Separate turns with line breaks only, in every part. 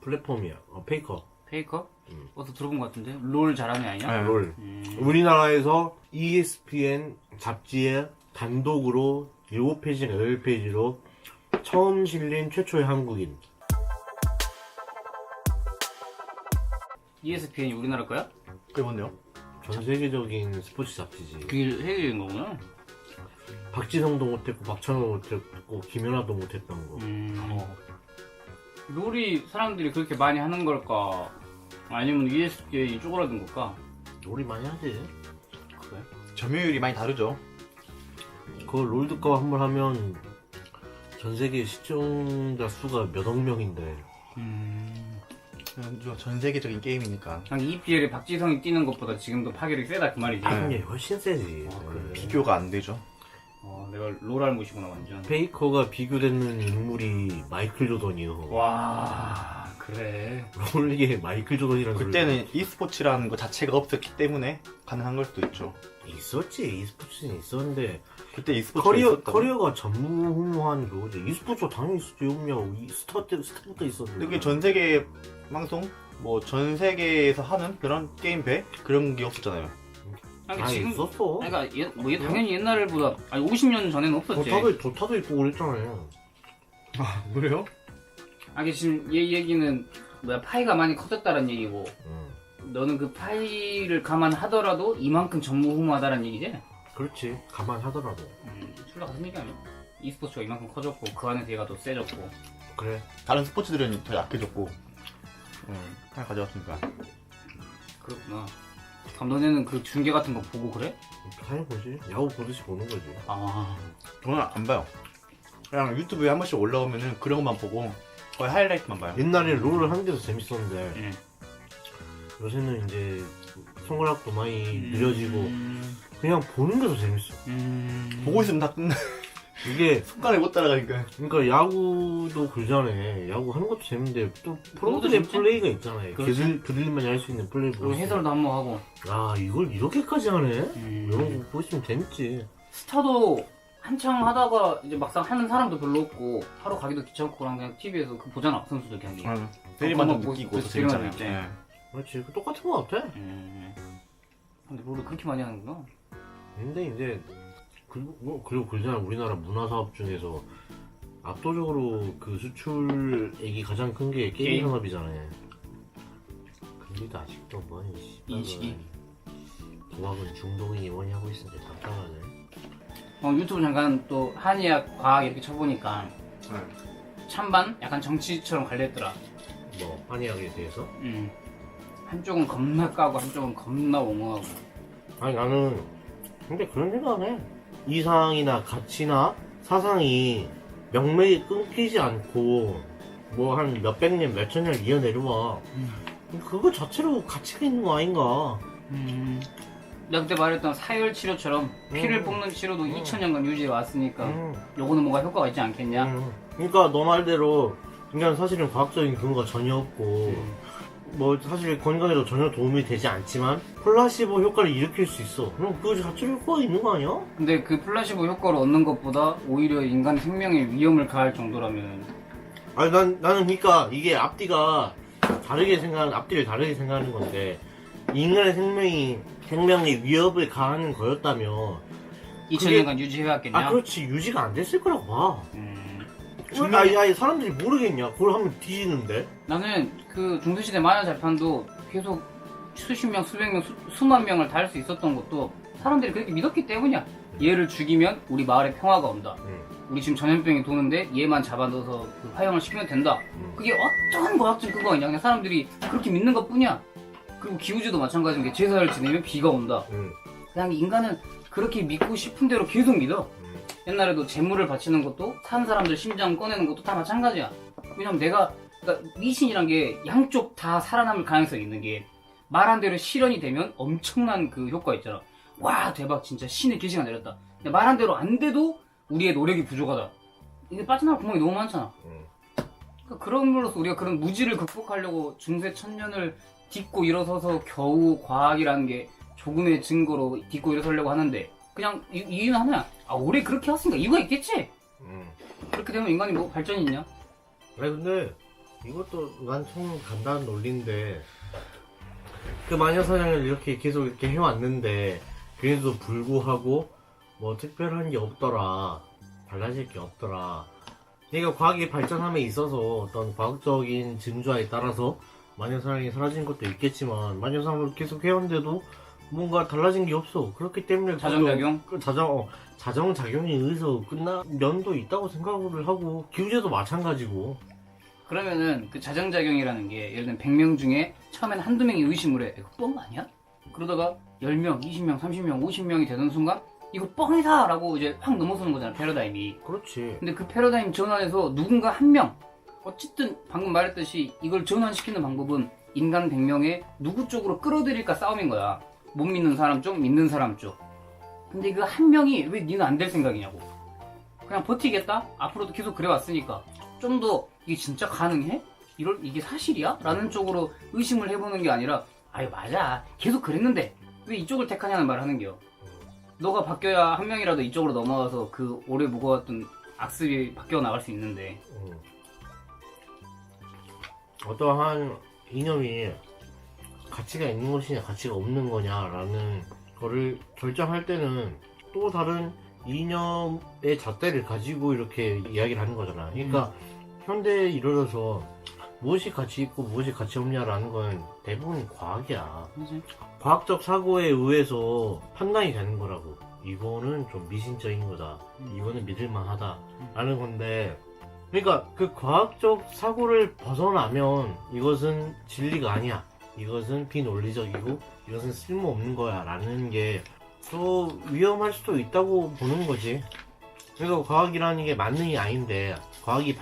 플랫폼이야. 페이커.
페이커? 어디서 들어본 것 같은데? 롤 잘하는 애 아니야?
네.
롤. 우리나라에서 ESPN 잡지에 단독으로 7페이지나 8페이지로 처음 실린 최초의 한국인.
ESPN이 우리나라 거야?
그게 뭔데요?
전 세계적인 스포츠 잡지지.
그게 해외인 거구나.
박지성도 못했고 박찬호 못했고 김연아도 못했던 거.
롤이 사람들이 그렇게 많이 하는 걸까? 아니면 ESPN이 쪼그라든 걸까?
롤이 많이 하지.
그래?
점유율이 많이 다르죠.
그걸 롤드컵 한 번 하면 전 세계 시청자 수가 몇억 명인데.
전 세계적인 게임이니까
그냥 EPL에 박지성이 뛰는 것보다 지금도 파괴력이 세다 그 말이지.
이게 훨씬 세지.
그래.
비교가 안 되죠.
내가 롤 알못이구나 완전.
페이커가 비교되는 인물이 마이클 조던이요.
와 그래.
롤리게 마이클 조던이라는
그때는 e스포츠라는 거 자체가 없었기 때문에 가능한 걸 수도 있죠.
있었지. e스포츠는 있었는데
그때 e스포츠가 있었다고.
커리어가 전무후무한 그거지. e스포츠가 당연히 있었지. 없냐고. 스타부터 있었는데.
근데 그게 전 세계 방송 뭐 전 세계에서 하는 그런 게임배 그런 게 없었잖아요.
아니 지금
있었어.
그러니까 당연히 옛날보다 50년 전에는 없었지.
도타도 있고 그랬잖아요.
아 그래요?
아니 지금 얘 얘기는 파이가 많이 커졌다는 얘기고
응.
너는 그 파이를 감안하더라도 이만큼 전무후무하다는 얘기지?
그렇지. 감안하더라도.
술라 같은 얘기 아니야? e스포츠가 이만큼 커졌고 그 안에서 얘가 더 세졌고.
그래.
다른 스포츠들은 더 약해졌고 하나 가져왔으니까.
그렇구나. 그럼 너네는 그 중계 같은 거 보고 그래?
당연히 보지. 야구 보듯이 보는 거지.
아
저는 안 봐요. 그냥 유튜브에 한 번씩 올라오면은 그런 것만 보고 거의 하이라이트만 봐요.
옛날에 롤을 하는 게 더 재밌었는데
응.
요새는 이제 손가락도 많이 느려지고 그냥 보는 게 더 재밌어.
보고 있으면 다 끝나.
이게
습관을 못 따라가니까.
그러니까 야구도 그러잖아요. 야구 하는 것도 재밌는데 또 프로들의
재밌지?
플레이가 있잖아요.
그렇지.
그들만이 할 수 있는 플레이
그리고
보고
해설도 한번 하고.
아 이걸 이렇게까지 하네? 이런 거 보시면 재밌지.
스타도 한창 하다가 이제 막상 하는 사람도 별로 없고 하러 가기도 귀찮고 그냥 TV에서 그 보잖아 선수들 경기.
세리만 좀
그거
느끼고
보고
더 재밌잖아요.
있지.
예.
그렇지. 그 똑같은 거 같아.
근데 롤을 그렇게 많이 하는구나.
근데 이제 그리고 그잖아. 우리나라 문화 사업 중에서 압도적으로 그 수출액이 가장 큰 게 게임
게임?
산업이잖아요. 근데도 아직도 뭐니
인식이.
도박은 중동인이 뭐니 하고 있으니까 답답하네.
유튜브 잠깐 또 한의학 과학 이렇게 쳐보니까 찬반 약간 정치처럼 갈렸더라.
뭐 한의학에 대해서?
한쪽은 겁나 까고 한쪽은 겁나 옹호하고.
아니 나는 근데 그런 생각을 해. 이상이나 가치나 사상이 명맥이 끊기지 않고 뭐 한 몇백 년 몇천 년 이어내려와. 그거 자체로 가치가 있는 거 아닌가.
내가 그때 말했던 사열 치료처럼 피를 뽑는 치료도 2000년간 유지해 왔으니까 요거는 뭔가 효과가 있지 않겠냐?
그러니까 너 말대로 그냥 사실은 과학적인 근거가 전혀 없고 뭐 사실 건강에도 전혀 도움이 되지 않지만 플라시보 효과를 일으킬 수 있어. 그럼 그거 자체로 효과가 있는 거 아니야?
근데 그 플라시보 효과를 얻는 것보다 오히려 인간 생명에 위험을 가할 정도라면.
아니 나는 그러니까 이게 앞뒤를 다르게 생각하는 건데 인간의 생명에 위협을 가하는 거였다면
2000년간 유지해왔겠냐?
아 그렇지 유지가 안 됐을 거라고 봐. 아니 사람들이 모르겠냐? 그걸 하면 뒤지는데.
나는 그 중세시대 마야 재판도 계속 수십 명, 수백 명, 수만 명을 다 할 수 있었던 것도 사람들이 그렇게 믿었기 때문이야. 얘를 죽이면 우리 마을에 평화가 온다. 우리 지금 전염병이 도는데 얘만 잡아넣어서 그 화형을 시키면 된다. 그게 어떠한 과학적 근거가 있냐? 그냥 사람들이 그렇게 믿는 것 뿐이야. 그리고 기우제도 마찬가지인 게 제사를 지내면 비가 온다. 그냥 인간은 그렇게 믿고 싶은 대로 계속 믿어. 옛날에도 재물을 바치는 것도 산 사람들 심장 꺼내는 것도 다 마찬가지야. 왜냐면 그러니까 미신이란 게 양쪽 다 살아남을 가능성이 있는 게 말한 대로 실현이 되면 엄청난 그 효과 있잖아. 와 대박 진짜 신의 계시가 내렸다. 근데 말한 대로 안 돼도 우리의 노력이 부족하다. 이게 빠져나갈 구멍이 너무 많잖아. 그러니까 그런 걸로서 우리가 그런 무지를 극복하려고 중세 천년을 딛고 일어서서 겨우 과학이라는 게 조금의 증거로 딛고 일어서려고 하는데 그냥 이유는 하나야. 오래 그렇게 했으니까 이유가 있겠지? 그렇게 되면 인간이 뭐 발전이 있냐?
아니 근데 이것도 난참 간단한 논리인데 그 마녀사냥을 이렇게 계속 이렇게 해왔는데 그래도 불구하고 뭐 특별한 게 없더라, 달라질 게 없더라. 그러니까 과학이 발전함에 있어서 어떤 과학적인 증거에 따라서 마녀사냥이 사라진 것도 있겠지만 마녀사냥을 계속 해왔는데도 뭔가 달라진 게 없어. 그렇기 때문에
자정작용?
자정작용에 의해서 끝난 면도 있다고 생각을 하고 기우제도 마찬가지고.
그러면은 그 자정작용이라는 게 예를 들면 100명 중에 처음엔 한두 명이 의심을 해. 이거 뻥 아니야? 그러다가 10명, 20명, 30명, 50명이 되는 순간 이거 뻥이다! 라고 이제 확 넘어서는 거잖아, 패러다임이.
그렇지.
근데 그 패러다임 전환에서 누군가 한 명, 어쨌든 방금 말했듯이 이걸 전환시키는 방법은 인간 100명에 누구 쪽으로 끌어들일까 싸움인 거야. 못 믿는 사람 쪽, 믿는 사람 쪽. 근데 그 한 명이 왜 니는 안 될 생각이냐고. 그냥 버티겠다? 앞으로도 계속 그래왔으니까 좀 더 이게 진짜 가능해? 이게 사실이야? 라는 쪽으로 의심을 해보는 게 아니라 아유 맞아 계속 그랬는데 왜 이쪽을 택하냐는 말을 하는 게요. 너가 바뀌어야 한 명이라도 이쪽으로 넘어가서 그 오래 무거웠던 악습이 바뀌어 나갈 수 있는데.
어떠한 이념이 가치가 있는 것이냐 가치가 없는 거냐라는 거를 결정할 때는 또 다른 이념의 잣대를 가지고 이렇게 이야기를 하는 거잖아. 그러니까 현대에 이르러서 무엇이 가치 있고 무엇이 가치 없냐라는 건 대부분 과학이야.
그치?
과학적 사고에 의해서 판단이 되는 거라고. 이거는 좀 미신적인 거다. 이거는 믿을만하다. 라는 건데, 그러니까 그 과학적 사고를 벗어나면 이것은 진리가 아니야. 이것은 비논리적이고 이것은 쓸모없는 거야. 라는 게 또 위험할 수도 있다고 보는 거지. 그러니까 과학이라는 게 만능이 아닌데 과학이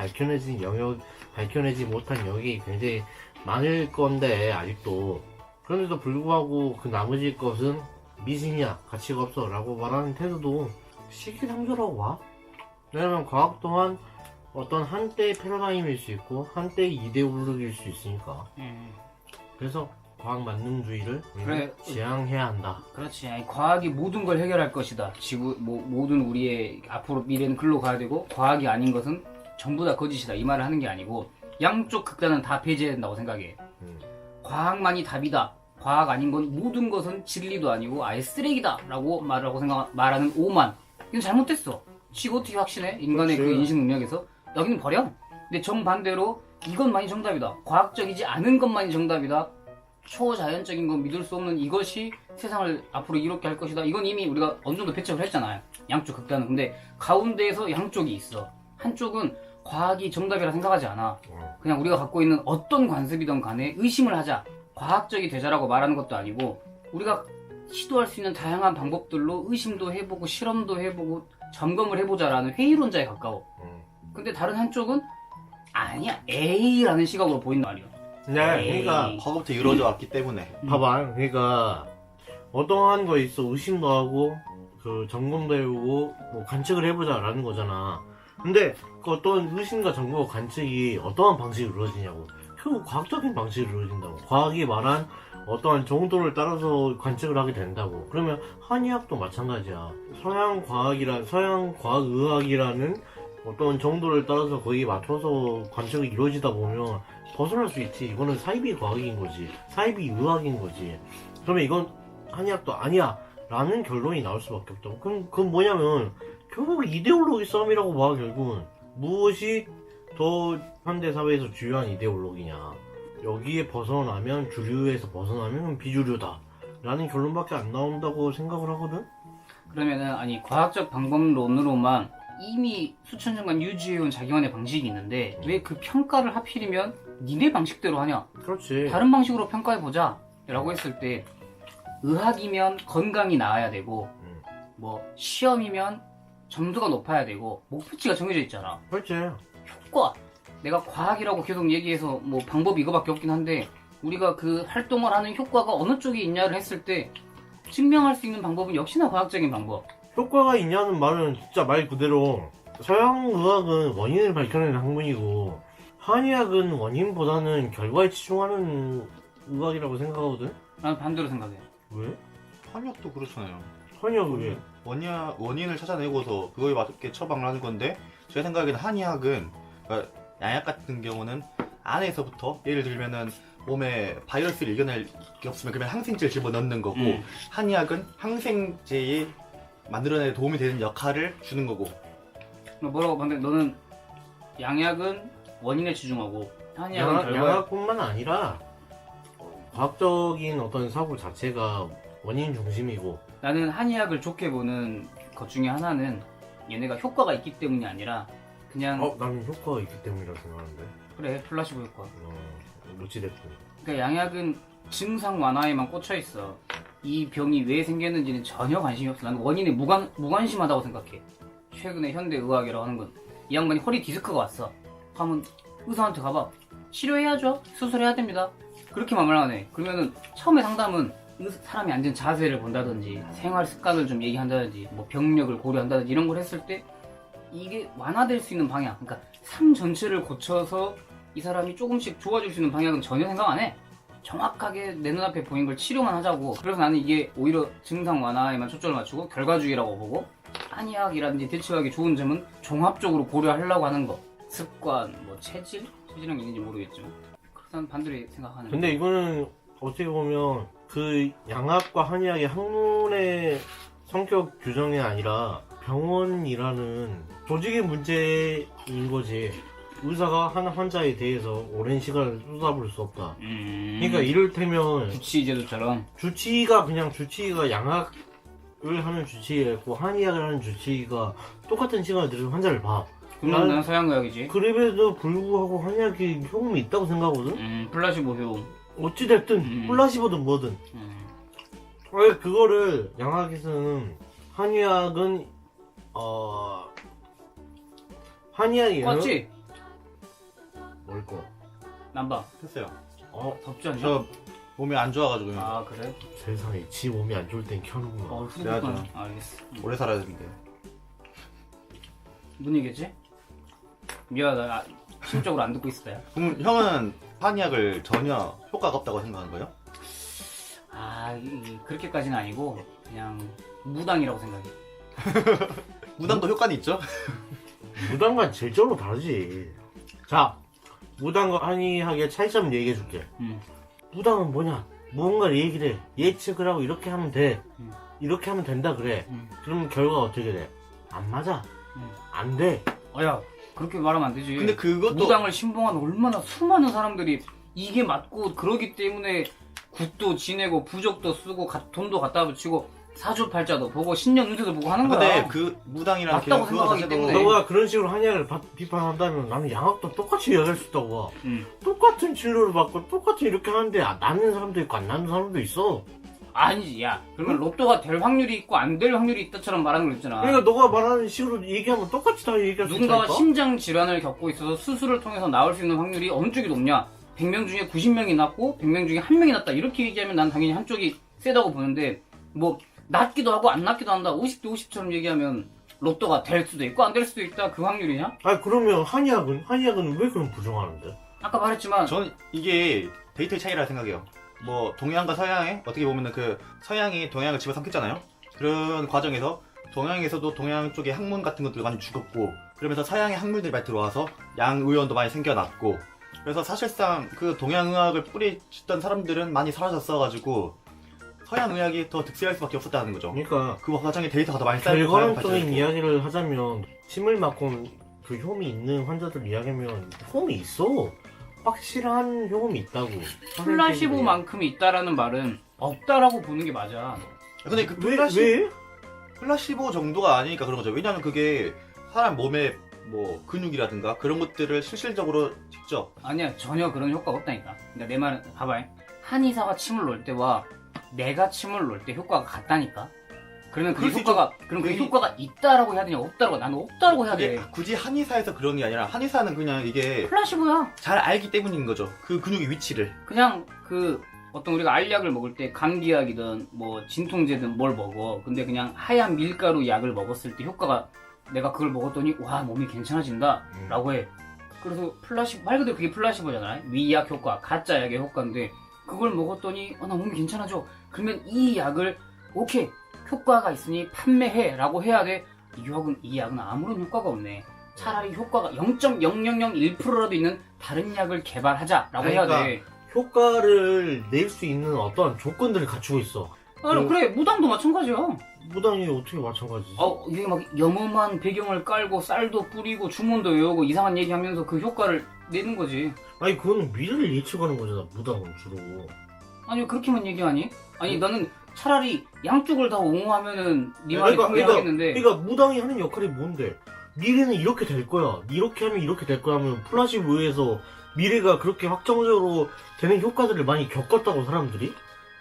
밝혀내지 못한 영역이 굉장히 많을 건데 아직도. 그런데도 불구하고 그 나머지 것은 미신이야 가치가 없어 라고 말하는 태도도 시기상조라고 봐. 왜냐면 과학 또한 어떤 한때의 패러다임일 수 있고 한때의 이데올로기일 수 있으니까. 그래서 과학 만능주의를
그래.
지향해야 한다.
그렇지. 아니, 과학이 모든 걸 해결할 것이다. 모든 우리의 앞으로 미래는 글로 가야 되고 과학이 아닌 것은 전부 다 거짓이다. 이 말을 하는 게 아니고 양쪽 극단은 다 폐지해야 된다고 생각해. 과학만이 답이다. 과학 아닌 건 모든 것은 진리도 아니고 아예 쓰레기다 라고 말하는 오만. 이건 잘못됐어. 지가 어떻게 확신해? 인간의
그렇지.
그 인식 능력에서. 여기는 버려. 근데 정반대로 이것만이 정답이다. 과학적이지 않은 것만이 정답이다. 초자연적인 건 믿을 수 없는 이것이 세상을 앞으로 이렇게 할 것이다. 이건 이미 우리가 어느 정도 배척을 했잖아요. 양쪽 극단은. 근데 가운데에서 양쪽이 있어. 한쪽은 과학이 정답이라 생각하지 않아. 그냥 우리가 갖고 있는 어떤 관습이든 간에 의심을 하자. 과학적이 되자라고 말하는 것도 아니고 우리가 시도할 수 있는 다양한 방법들로 의심도 해보고 실험도 해보고 점검을 해보자라는 회의론자에 가까워. 근데 다른 한쪽은 아니야 에이라는 시각으로 보인단 말이야.
네, 그러니까
과거부터 이루어져 왔기 때문에.
봐봐. 그러니까 어떠한 거 있어 의심도 하고 그 점검도 해보고 뭐 관측을 해보자라는 거잖아. 근데 그 어떤 의심과 점검과 관측이 어떠한 방식으로 이루어지냐고. 결국 과학적인 방식으로 이루어진다고. 과학이 말한 어떠한 정도를 따라서 관측을 하게 된다고. 그러면 한의학도 마찬가지야. 서양 과학의학이라는 어떤 정도를 따라서 거기에 맞춰서 관측이 이루어지다 보면 벗어날 수 있지. 이거는 사이비 과학인 거지. 사이비 의학인 거지. 그러면 이건 한의학도 아니야 라는 결론이 나올 수밖에 없다고. 그건 뭐냐면 결국 이데올로기 싸움이라고 봐. 결국은 무엇이 더 현대사회에서 주요한 이데올로기냐. 여기에 벗어나면 주류에서 벗어나면 비주류다 라는 결론밖에 안 나온다고 생각을 하거든.
그러면은 아니 과학적 방법론으로만 이미 수천 년간 유지해온 자기만의 방식이 있는데 왜 그 평가를 하필이면 니네 방식대로 하냐.
그렇지.
다른 방식으로 평가해보자 라고 했을 때 의학이면 건강이 나아야 되고 뭐 시험이면 점수가 높아야 되고 목표치가 정해져 있잖아.
그렇지.
효과. 내가 과학이라고 계속 얘기해서 뭐 방법이 이거밖에 없긴 한데 우리가 그 활동을 하는 효과가 어느 쪽에 있냐를 했을 때 증명할 수 있는 방법은 역시나 과학적인 방법.
효과가 있냐는 말은 진짜 말 그대로 서양 의학은 원인을 밝혀내는 학문이고 한의학은 원인보다는 결과에 치중하는 의학이라고 생각하거든.
나는 반대로 생각해.
왜?
한의학도 그렇잖아요.
한의학은 왜?
원인을 찾아내고서 그거에 맞게 처방을 하는 건데 제 생각에는 한의학은 그러니까 양약 같은 경우는 안에서부터 예를 들면은 몸에 바이러스를 이겨낼 게 없으면 그러면 항생제를 집어넣는 거고 한의학은 항생제에 만들어내는 도움이 되는 역할을 주는 거고.
뭐라고 방금 너는 양약은 원인에 치중하고 한의학은 결과에
양학뿐만 아니라 과학적인 어떤 사고 자체가 원인 중심이고.
나는 한의학을 좋게 보는 것 중에 하나는 얘네가 효과가 있기 때문이 아니라 그냥
나는 효과가 있기 때문이라고 생각하는데.
그래 플라시보 효과.
어찌됐든.
그러니까 양약은 증상 완화에만 꽂혀 있어. 이 병이 왜 생겼는지는 전혀 관심이 없어. 나는 원인에 무관심하다고 생각해. 최근에 현대 의학이라고 하는 건 이 양반이 허리 디스크가 왔어. 하면 의사한테 가봐. 치료해야죠. 수술해야 됩니다. 그렇게 말하네. 그러면은 처음에 상담은 사람이 앉은 자세를 본다든지 생활 습관을 좀 얘기한다든지 뭐 병력을 고려한다든지 이런 걸 했을 때 이게 완화될 수 있는 방향, 그러니까 삶 전체를 고쳐서 이 사람이 조금씩 좋아질 수 있는 방향은 전혀 생각 안 해. 정확하게 내 눈앞에 보이는 걸 치료만 하자고. 그래서 나는 이게 오히려 증상 완화에만 초점을 맞추고 결과주의라고 보고, 한의학이라든지 대체학의 좋은 점은 종합적으로 고려하려고 하는 거. 습관, 뭐 체질이란 게 있는지 모르겠지만 그래서 난 반대로 생각하는.
근데 이거는 어떻게 보면 그 양학과 한의학의 학문의 성격 규정이 아니라 병원이라는 조직의 문제인 거지. 의사가 한 환자에 대해서 오랜 시간을 쏟아볼 수 없다. 그러니까 이를테면
주치의제도처럼
주치의가 양학을 하는 주치의였고 한의학을 하는 주치의가 똑같은 시간을 들여서 환자를 봐.
그러면 난 서양의학이지.
그럼에도 불구하고 한의학이 효험이 있다고 생각하거든?
플라시보 효험.
어찌됐든 플라시보든 뭐든 왜 그거를 양학에서는 한의학은 한의학이
껐지?
뭘 꺼?
난방.
했어요.
덥지 않냐?
저 몸이 안 좋아가지고
아 그래?
세상에 지 몸이 안 좋을 땐 켜는구나.
휴대폰. 알겠어.
오래 살아야 되는데.
뭔 얘기했지? 미안하다. 심적으로 안 듣고 있었다.
그럼 형은 한의학을 전혀 효과가 없다고 생각하는 거예요?
그렇게까지는 아니고 그냥 무당이라고 생각해.
무당도 효과는 있죠?
무당과 질적으로 다르지. 자, 무당과 한의학의 차이점 얘기해줄게. 무당은 뭐냐? 무언가를 얘기를 해. 예측을 하고 이렇게 하면 돼. 이렇게 하면 된다 그래. 그러면 결과가 어떻게 돼? 안 맞아. 안 돼.
야 그렇게 말하면 안 되지.
근데 그것도
무당을 신봉한 얼마나 수많은 사람들이 이게 맞고 그러기 때문에 국도 지내고 부적도 쓰고 돈도 갖다 붙이고 사주팔자도 보고 신년 운세도 보고 하는 거야.
근데 그 무당이라는
맞다고
그거
생각하기
자체도
때문에.
너가 그런 식으로 한의학을 비판한다면 나는 양학도 똑같이 이야기할 수 있다고 봐. 똑같은 진료를 받고 똑같이 이렇게 하는데 낫는 사람도 있고 안 낫는 사람도 있어.
아니지. 야 그러면 로또가 될 확률이 있고 안 될 확률이 있다처럼 말하는 거 있잖아.
그러니까 너가 말하는 식으로 얘기하면 똑같이 다 얘기할 수
누군가가
있다니까?
심장 질환을 겪고 있어서 수술을 통해서 나을 수 있는 확률이 어느 쪽이 높냐? 100명 중에 90명이 낫고 100명 중에 1명이 낫다. 이렇게 얘기하면 난 당연히 한쪽이 세다고 보는데 뭐 낫기도 하고 안 낫기도 한다. 50대 50처럼 얘기하면 로또가 될 수도 있고 안 될 수도 있다. 그 확률이냐?
그러면 한의학은 왜 그럼 부정하는데?
아까 말했지만
저는 이게 데이터의 차이라 생각해요. 뭐 동양과 서양에 어떻게 보면은 그 서양이 동양을 집어삼켰잖아요. 그런 과정에서 동양에서도 동양 쪽의 학문 같은 것들 많이 죽었고, 그러면서 서양의 학문들이 많이 들어와서 양의원도 많이 생겨났고, 그래서 사실상 그 동양의학을 뿌리쳤던 사람들은 많이 사라졌어가지고 서양의학이 더 득세할 수밖에 없었다는 거죠.
그러니까
그 과정에 데이터가 더 많이 쌓이고
결과론적인 이야기를 하자면 침을 맞고 그 효험이 있는 환자들 이야기하면 효험이 있어. 확실한 효험이 있다고.
플라시보만큼이 있다라는 말은 없다라고 보는 게 맞아.
근데 그
왜?
플라시보 정도가 아니니까 그런 거죠. 왜냐면 그게 사람 몸의 뭐 근육이라든가 그런 것들을 실질적으로 직접
아니야 전혀 그런 효과가 없다니까. 그러니까 내 말은 봐봐. 한의사가 침을 놓을 때와 내가 침을 놓을 때 효과가 같다니까. 그러면 그 효과가 있다라고 해야 되냐 없다라고. 나는 없다라고 해야 돼.
굳이 한의사에서 그런 게 아니라 한의사는 그냥 이게
플라시보야.
잘 알기 때문인 거죠. 그 근육의 위치를.
그냥 어떤 우리가 알약을 먹을 때 감기약이든 뭐 진통제든 뭘 먹어. 근데 그냥 하얀 밀가루 약을 먹었을 때 효과가 내가 그걸 먹었더니 와 몸이 괜찮아진다 라고 해. 그래서 플라시보 말 그대로 그게 플라시보잖아요. 위약 효과, 가짜 약의 효과인데 그걸 먹었더니 나 몸이 괜찮아져. 그러면 이 약을 오케이 효과가 있으니 판매해 라고 해야 돼. 이 약은 아무런 효과가 없네. 차라리 효과가 0.0001%라도 있는 다른 약을 개발하자라고 해야
그러니까
돼.
효과를 낼 수 있는 어떠한 조건들을 갖추고 있어.
그래, 무당도 마찬가지야.
무당이 어떻게 마찬가지지?
이게 막 영험한 배경을 깔고 쌀도 뿌리고 주문도 외우고 이상한 얘기하면서 그 효과를 내는 거지.
아니 그거는 미래를 예측하는 거잖아. 무당은 주로.
아니 그렇게만 얘기하니? 아니 나는 차라리 양쪽을 다 옹호하면은 네 말이 통하겠는데.
그러니까 무당이 하는 역할이 뭔데? 미래는 이렇게 될 거야. 이렇게 하면 이렇게 될 거야 하면 플라시보에서 미래가 그렇게 확정적으로 되는 효과들을 많이 겪었다고 사람들이?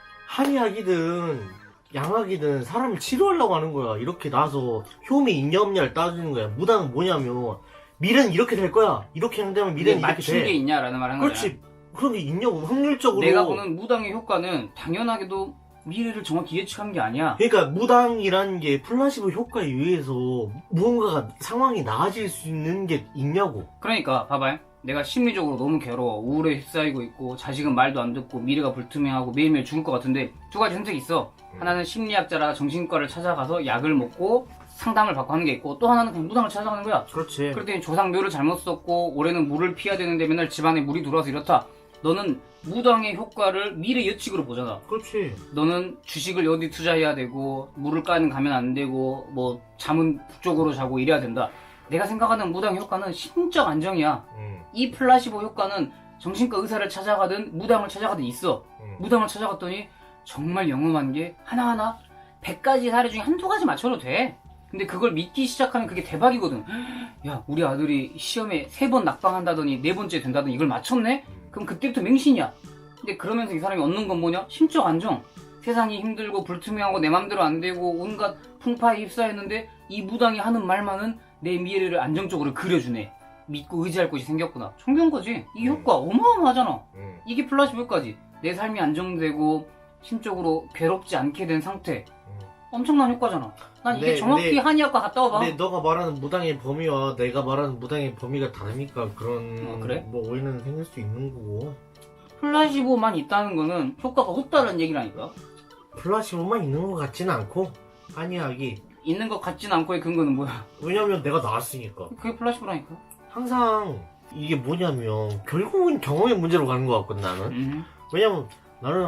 한의학이든 양학이든 사람을 치료하려고 하는 거야. 이렇게 나와서 효미 있냐 없냐를 따지는 거야. 무당은 뭐냐면 미래는 이렇게 될 거야. 이렇게 한다면 미래는 이렇게
맞춘
돼.
게 있냐라는 말 한 거야.
그렇지. 그런 게 있냐고 확률적으로.
내가 보는 무당의 효과는 당연하게도 미래를 정확히 예측한 게 아니야.
그러니까 무당이라는 게 플라시보 효과에 의해서 무언가가 상황이 나아질 수 있는 게 있냐고.
그러니까 봐봐요. 내가 심리적으로 너무 괴로워. 우울에 휩싸이고 있고 자식은 말도 안 듣고 미래가 불투명하고 매일매일 죽을 것 같은데 두 가지 선택이 있어. 하나는 심리학자라 정신과를 찾아가서 약을 먹고 상담을 받고 하는 게 있고 또 하나는 그냥 무당을 찾아가는 거야.
그렇지.
그랬더니 조상묘를 잘못 썼고 올해는 물을 피해야 되는데 맨날 집안에 물이 들어와서 이렇다. 너는 무당의 효과를 미래 예측으로 보잖아.
그렇지.
너는 주식을 어디 투자해야 되고 물을 까는 가면 안 되고 뭐 잠은 북쪽으로 자고 이래야 된다. 내가 생각하는 무당 효과는 심적 안정이야. 이 플라시보 효과는 정신과 의사를 찾아가든 무당을 찾아가든 있어. 무당을 찾아갔더니 정말 영험한 게 하나하나 100가지 사례 중에 한두 가지 맞춰도 돼. 근데 그걸 믿기 시작하면 그게 대박이거든. 야, 우리 아들이 시험에 3번 낙방한다더니 4번째 된다더니 이걸 맞췄네? 그럼 그때부터 맹신이야. 근데 그러면서 이 사람이 얻는 건 뭐냐? 심적 안정. 세상이 힘들고 불투명하고 내 맘대로 안 되고 온갖 풍파에 휩싸였는데 이 무당이 하는 말만은 내 미래를 안정적으로 그려주네. 믿고 의지할 곳이 생겼구나. 정겨운 거지. 이 효과 어마어마하잖아. 이게 플라시보 효과지. 내 삶이 안정되고 심적으로 괴롭지 않게 된 상태. 엄청난 효과잖아. 난 이게 정확히 한의학과 갔다 와봐.
근데 너가 말하는 무당의 범위와 내가 말하는 무당의 범위가 다르니까 그런
그래?
뭐 오해는 생길 수 있는 거고.
플라시보만 있다는 거는 효과가 없다는 얘기라니까.
플라시보만 있는 것 같지는 않고 한의학이
있는 것 같진 않고의 근거는 뭐야?
왜냐면 내가 나왔으니까.
그게 플라시보라니까.
항상 이게 뭐냐면 결국은 경험의 문제로 가는 것 같거든 나는. 왜냐면 나는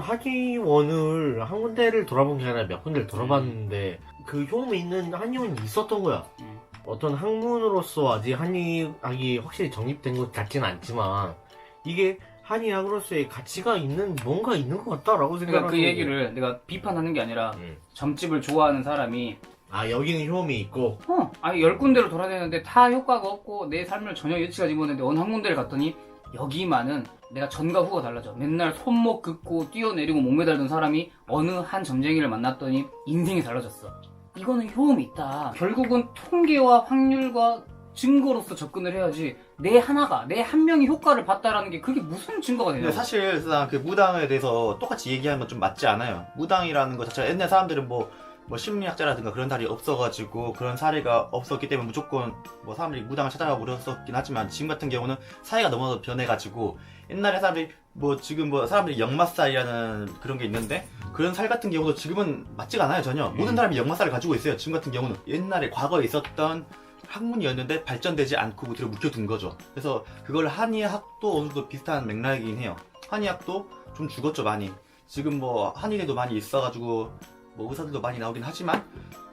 한의원을 한 군데를 돌아본 게 아니라 몇 군데를 돌아봤는데 그 효험이 있는 한의원이 있었던 거야. 어떤 학문으로서 아직 한의학이 확실히 정립된 것 같지는 않지만 이게 한의학으로서의 가치가 있는 뭔가 있는 것 같다라고 생각하고.
그러니까 그 얘기를 내가 비판하는 게 아니라 점집을 좋아하는 사람이
여기는 효험이 있고
아니 10군데를 돌아다녔는데 다 효과가 없고 내 삶을 전혀 예측하지 못했는데 어느 한 군데를 갔더니 여기만은 내가 전과 후가 달라져. 맨날 손목 긋고 뛰어내리고 목매달던 사람이 어느 한 점쟁이를 만났더니 인생이 달라졌어. 이거는 효험이 있다. 결국은 통계와 확률과 증거로서 접근을 해야지 내 하나가 내 한 명이 효과를 봤다라는 게 그게 무슨 증거가 되냐.
근데 사실상 그 무당에 대해서 똑같이 얘기하는 건 좀 맞지 않아요. 무당이라는 것 자체가 옛날 사람들은 뭐 심리학자라든가 그런 사람이 없어가지고 그런 사례가 없었기 때문에 무조건 뭐 사람들이 무당을 찾아가고 그랬었긴 하지만 지금 같은 경우는 사회가 너무 변해가지고 옛날에 사람들이 뭐 지금 뭐 사람들이 역마살이라는 그런 게 있는데 그런 살 같은 경우도 지금은 맞지가 않아요 전혀. 모든 사람이 역마살을 가지고 있어요. 지금 같은 경우는 옛날에 과거에 있었던 학문이었는데 발전되지 않고 그대로 묵혀둔 거죠. 그래서 그걸 한의학도 어느 정도 비슷한 맥락이긴 해요. 한의학도 좀 죽었죠 많이. 지금 뭐 한의대도 많이 있어가지고 뭐 의사들도 많이 나오긴 하지만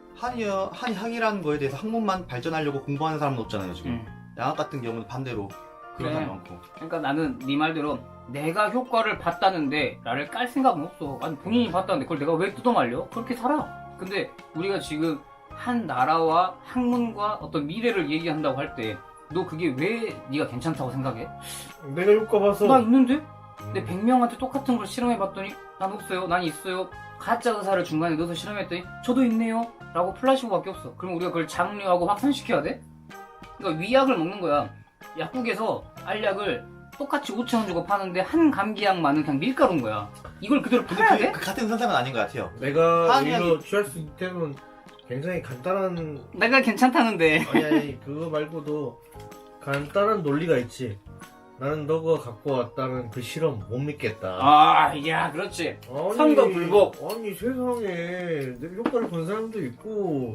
한의학이라는 거에 대해서 학문만 발전하려고 공부하는 사람은 없잖아요 지금. 양학 같은 경우는 반대로 그런 사람이 많고.
그러니까 나는 네 말대로 내가 효과를 봤다는데 나를 깔 생각은 없어. 아니 본인이 봤다는데 그걸 내가 왜 뜯어말려? 그렇게 살아. 근데 우리가 지금 한 나라와 학문과 어떤 미래를 얘기한다고 할 때 너 그게 왜 네가 괜찮다고 생각해?
내가 효과 봐서.
나 있는데? 내 100명한테 똑같은 걸 실험해봤더니 난 없어요, 난 있어요. 가짜 의사를 중간에 넣어서 실험했더니 저도 있네요 라고 플라시보밖에 없어. 그럼 우리가 그걸 장려하고 확산시켜야 돼? 그러니까 위약을 먹는 거야. 약국에서 알약을 똑같이 5,000원 주고 파는데 한 감기약만은 그냥 밀가루인 거야. 이걸 그대로 팔아야 돼?
그 같은 선상은 아닌 것 같아요.
내가 이거 취할 수 있다면 굉장히 간단한.
내가 괜찮다는데.
아니 그거 말고도 간단한 논리가 있지. 나는 너가 갖고 왔다는 그 실험 못 믿겠다.
야, 그렇지.
아니,
선거 불복.
아니 세상에 내 효과를 본 사람도 있고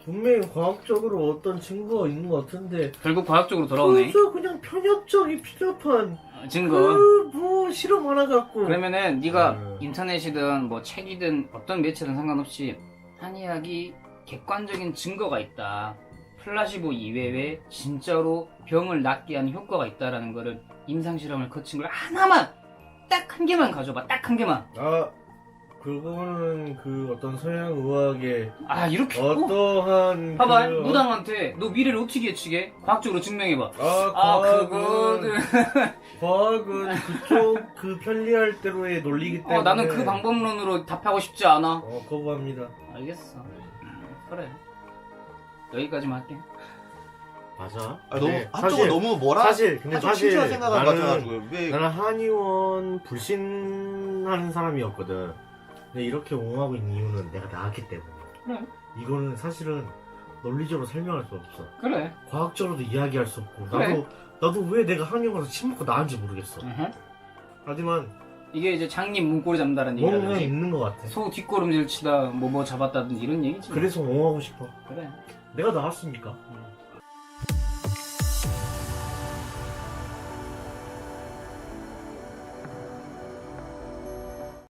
분명히 과학적으로 어떤 증거가 있는 것 같은데
결국 과학적으로 돌아오네.
그저 그냥 편협적이 필요한
증거.
뭐 실험 하나 갖고
그러면은 네가
음.
인터넷이든 뭐 책이든 어떤 매체든 상관없이 한의학이 객관적인 증거가 있다. 플라시보 이외에 진짜로 병을 낫게 하는 효과가 있다라는 거를 임상실험을 거친 걸 하나만 딱 한 개만 가져봐. 딱 한 개만.
아 그거는 그 어떤 서양 의학의
아 이렇게
어떠한
봐봐
그
무당한테 너 미래를 어떻게 예측해? 과학적으로 증명해봐.
아
그거는
과학은 그쪽 그 편리할 대로의 논리기 때문에
나는 그 방법론으로 답하고 싶지 않아.
거부합니다.
알겠어. 그래. 여기까지만 할게.
맞아.
너무
근데
한쪽은 너무 뭐라
사실 근데
한쪽
사실
친절한 생각을
나는
가져가지고 왜
나는 한의원 불신하는 사람이었거든. 근데 이렇게 옹호하고 있는 이유는 내가 나왔기 때문에.
그래.
이거는 사실은 논리적으로 설명할 수 없어.
그래.
과학적으로도 이야기할 수 없고.
그래.
나도 왜 내가 한의원 가서 침 먹고 나은지 모르겠어.
으흠.
하지만
이게 이제 장님 문고리 잡는다는
뭔가
얘기라든지
있는 것 같아.
소 뒷걸음질 치다 뭐 잡았다든지 이런 얘기지.
그래서 옹호하고 싶어.
그래.
내가 나왔으니까.